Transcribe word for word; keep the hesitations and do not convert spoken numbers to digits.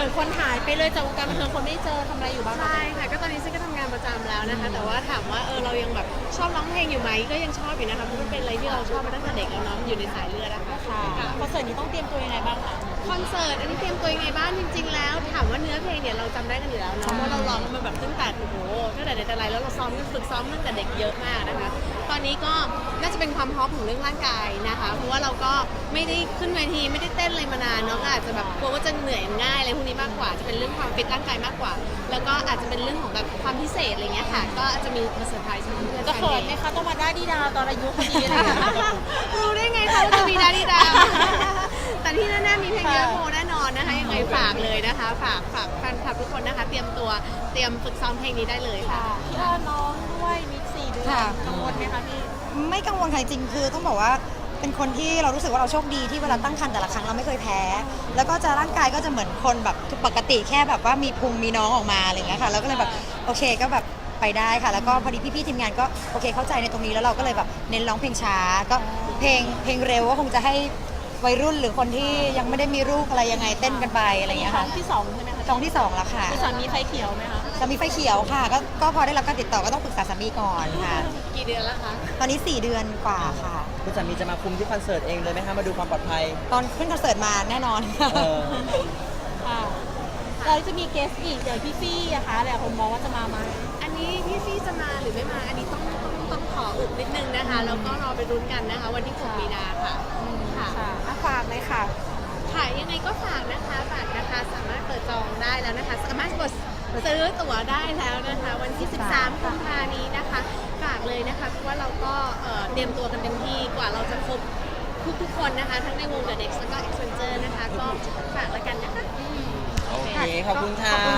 มือนคนหายไปเลยจากวงการบันเทิงคนไม่เจอทำอะไรอยู่บ้างใช่ค่ะก็ตอนนี้ฉันก็ทำงานประจำแล้วนะคะแต่ว่าถามว่าเออเรายังแบบชอบร้องเพลงอยู่ไหมก็ยังชอบอยู่นะคะเพราะมันเป็นอะไรที่เราชอบมาตั้งแต่เด็กแล้วเนาะอยู่ในสายเลือดนะคะค่ะคอนเสิร์ตนี้ต้องเตรียมตัวยังไงบ้างคะคอนเสิร์ตอันนี้เตรียมตัวยังไงบ้างจริง ๆ แล้วถามว่าเนื้อเพลงเนี่ยเราจำได้กันอยู่แล้วเนาะเพราะเราร้องมาแบบตั้งแต่โอ้โหตั้งแต่ไหนแต่ไรแล้วเราซ้อมกันฝึกซ้อมตั้งแต่เด็กเยอะมากนะคะตอนนี้ก็น่าจะเป็นความพร้อมของเรื่องร่างกายนะคะเพราะว่าเราก็ไม่ได้ขึ้นเวทีไม่ได้เต้นอะไรมานานเนาะก็อาจจะแบบกลัวว่าจะเหนื่อยง่ายอะไรพวกนี้มากกว่าจะเป็นเรื่องความฟิตร่างกายมากกว่า แล้วก็อาจจะเป็นเรื่องของแบบความพิเศษอะไรเงี้ยค่ะก็อาจจะมีมาเซอร์ไพรส์เพื่อนๆจะเขินไหมคะต้องมาได้ดีดาวตอนอายุพอดีอะไรอย่างเงี้ยรู้ได้ไงคะว่าจะมีดาดีดา แต่ที่แน่ๆมีเพลงเยอะโมแน่นอนนะคะยังไงฝากเลยนะคะ ฝากฝากแฟนคลับทุกคนนะคะ เตรียมตัวเตรียมฝึกซ้อมเพลงนี้ได้เลยค่ะพี่อ้อนน้องด้วยมิกสี่เดือนค่ะกังวลไหมคะพี่ไม่กังวลค่ะจริงๆคือต้องบอกว่าเป็นคนที่เรารู้สึกว่าเราโชคดีที่เวลาตั้งครรภ์แต่ละครั้งเราไม่เคยแพ้ แล้วก็จะร่างกายก็จะเหมือนคนแบบปกติแค่แบบว่ามีพุงมีน้องออกมาอะไรอย่างเงี้ยค่ะแล้วก็เลยแบบโอเคก็แบบไปได้ค่ะ แล้วก็พอดีพี่ๆทีมงานก็โอเคเข้าใจในตรงนี้แล้วเราก็เลยแบบเน้นร้องเพลงช้าก็เพลงเพลงเร็วก็คงจะให้วัยรุ่นหรือคนที่ยังไม่ได้มีลูกอะไรยังไงเต้นกันไปอะไรอย่างเงี้ยท้อค่ะงที่สองใช่ไหมคะท้องที่สองแล้วค่ะพี่สามีไฟเขียวไหมคะสามีไฟเขียวค่ะก็ก็พอได้รับการติดต่อก็ต้องปรึกษาสามีก่อนค่ะกี่เดือนแล้วคะตอนนี้สี่เดือนกว่าค่ะคุณสามีจะมาคุมที่คอนเสิร์ตเองเลยไหมคะมาดูความปลอดภัยตอนขึ้นคอนเสิร์ตมาแน่นอนเออค่ะเราจะมีเกสอีกเดี๋ยวพี่ฟี่อะคะแต่ผมมองว่าจะมาไหมอันนี้พี่ฟี่จะมาหรือไม่มา อันนี้ต้องต้องต้องขออุบนิดนึงนะคะ แล้วก็รอไปรุ้นกันนะคะ วันที่หกมีนาค่ะค่ะค่ะอ่ะฝากเลยค่ะค่ะยังไงก็ฝากนะคะบัตรนะคะสามารถเปิดจองได้แล้วนะคะ สามารถกดซื้อตั๋วได้แล้วนะคะ วันที่ สิบสามกุมภานี้นะคะฝากเลยนะคะเพราะว่าเราก็เอ่อเตรียมตัวกันเต็มที่กว่าเราจะครบทุกทุกๆคนนะคะ ทั้งในวง The Next แล้วก็ Accenture นะคะ ก็ฝากแล้วกันนะคะโอเค ขอบคุณค่ะขอบคุณ